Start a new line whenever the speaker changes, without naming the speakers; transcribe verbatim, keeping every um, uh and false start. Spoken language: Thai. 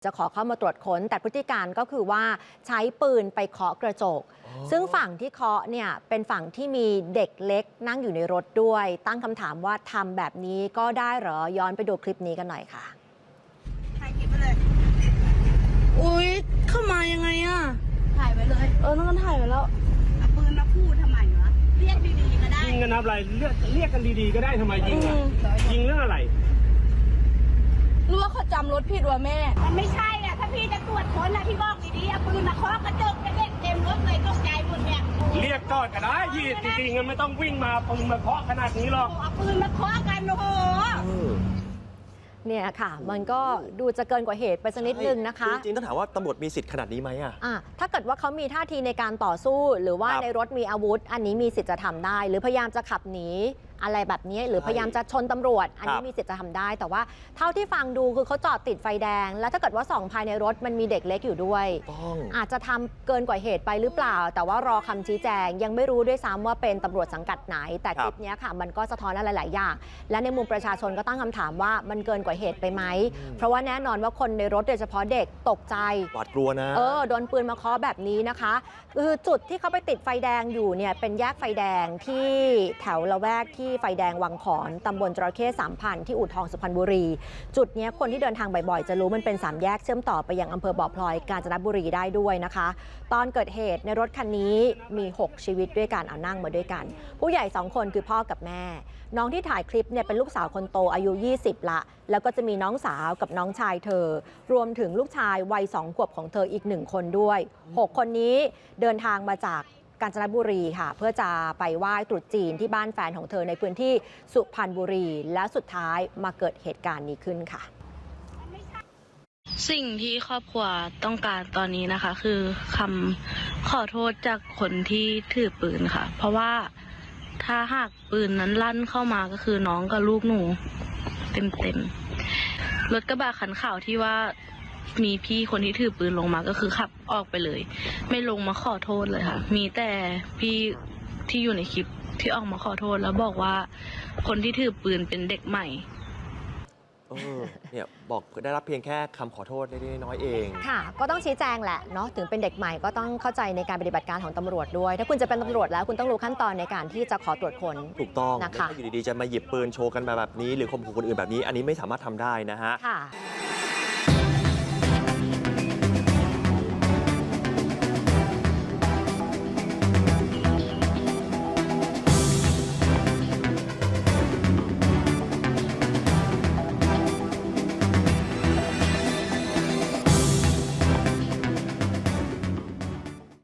จะขอเข้ามาตรวจค้นแต่พฤติการก็คือว่าใช้ปืนไปเคาะกระจกซึ่งฝั่งที่เคาะเนี่ยเป็นฝั่งที่มีเด็กเล็กนั่งอยู่ในรถด้วยตั้งคำถามว่าทำแบบนี้ก็ได้เหรอย้อนไปดูคลิปนี้กันหน่อยค่ะ
ถ่ายคลิปไปเลยอุ๊ยเข้ามายังไงอ่ะถ่ายไปเลยเออนั่นก็ถ่ายไปแล้วเอาปืนมาพูดทำไมวะเรียกดีๆก็ได้
ยิงกันอะไรเรียกเรียกกันดีๆก็ได้ทำไมยิงอ่ะยิงเรื่องอะไร
รู้ว่าเขาจำรถผิดว่ะแม่
มันไม่ใช่อ่ะถ้าพี่จะตรวจค้นนะพี่บอกดีๆเอาปืนมาเคาะกระจกเด็กเต็มรถเลยตกใจหมดเนี่ย
เรียกก่อนก็ได้ยี่จริงๆมันไม่ต้องวิ่งมาปืนมาเคาะขนาดนี้หรอก
เอาปืนมาเคาะกันโอ้โห
เนี่ยค่ะมันก็ดูจะเกินกว่าเหตุไปสักนิดนึงนะคะ
จริงๆต้องถามว่าตำรวจมีสิทธิ์ขนาดนี้ไหมอ่ะ
ถ้าเกิดว่าเขามีท่าทีในการต่อสู้หรือว่าในรถมีอาวุธอันนี้มีสิทธิ์จะทำได้หรือพยายามจะขับหนีอะไรแบบนี้หรือพยายามจะชนตำรวจอันนี้มีสิทธิ์จะทำได้แต่ว่าเท่าที่ฟังดูคือเขาจอดติดไฟแดงแล้วถ้าเกิดว่าส่องภายในรถมันมีเด็กเล็กอยู่ด้วยอาจจะทำเกินกว่าเหตุไปหรือเปล่าแต่ว่ารอคำชี้แจงยังไม่รู้ด้วยซ้ำว่าเป็นตำรวจสังกัดไหนแต่คลิปนี้ค่ะมันก็สะท้อนอะไรหลายอย่างและในมุมประชาชนก็ตั้งคำถามว่ามันเกินกว่าเหตุไปไหมเพราะว่าแน่นอนว่าคนในรถโดยเฉพาะเด็กตกใจ
หวาดกลัวนะ
เออโดนปืนมาเคาะแบบนี้นะคะคือจุดที่เขาไปติดไฟแดงอยู่เนี่ยเป็นแยกไฟแดงที่แถวละแวกที่ไฟแดงวังขอนตำบลจระเข้สามพันที่อู่ทองสุพรรณบุรีจุดนี้คนที่เดินทางบ่อยๆจะรู้มันเป็นสามแยกเชื่อมต่อไปยังอำเภอบ่อพลอยกาญจนบุรีได้ด้วยนะคะตอนเกิดเหตุในรถคันนี้มีหกชีวิตด้วยกันเอานั่งมาด้วยกันผู้ใหญ่สองคนคือพ่อกับแม่น้องที่ถ่ายคลิปเนี่ยเป็นลูกสาวคนโตอายุยี่สิบละแล้วก็จะมีน้องสาวกับน้องชายเธอรวมถึงลูกชายวัยสองขวบของเธออีกหนึ่งคนด้วยหกคนนี้เดินทางมาจากกาญจนบุรีค่ะเพื่อจะไปไหว้ตรุษจีนที่บ้านแฟนของเธอในพื้นที่สุพรรณบุรีและสุดท้ายมาเกิดเหตุการณ์นี้ขึ้นค่ะ
สิ่งที่ครอบครัวต้องการตอนนี้นะคะคือคำขอโทษจากคนที่ถือปืนค่ะเพราะว่าถ้าหากปืนนั้นลั่นเข้ามาก็คือน้องกับลูกหนูเต็มๆรถกระบะคันขาวที่ว่ามีพี่คนที่ถือปืนลงมาก็คือขับออกไปเลยไม่ลงมาขอโทษเลยค่ะมีแต่พี่ที่อยู่ในคลิปที่ออกมาขอโทษแล้วบอกว่าคนที่ถือปืนเป็นเด็กใหม่
เออเนี่ยบอกได้รับเพียงแค่คำขอโทษเล็กๆน้อยๆเอง
ค่ะก็ต้องชี้แจงแหละเนาะถึงเป็นเด็กใหม่ก็ต้องเข้าใจในการปฏิบัติการของตำรวจด้วยถ้าคุณจะเป็นตำรวจแล้วคุณต้องรู้ขั้นตอนในการที่จะขอตรวจค้น
ถูกต้อง
นะคะ
ไม่ใช่อยู่ดีๆจะมาหยิบปืนโชว์กันแบบนี้หรือข่มขู่คนอื่นแบบนี้อันนี้ไม่สามารถทำได้นะฮะ
ค่ะ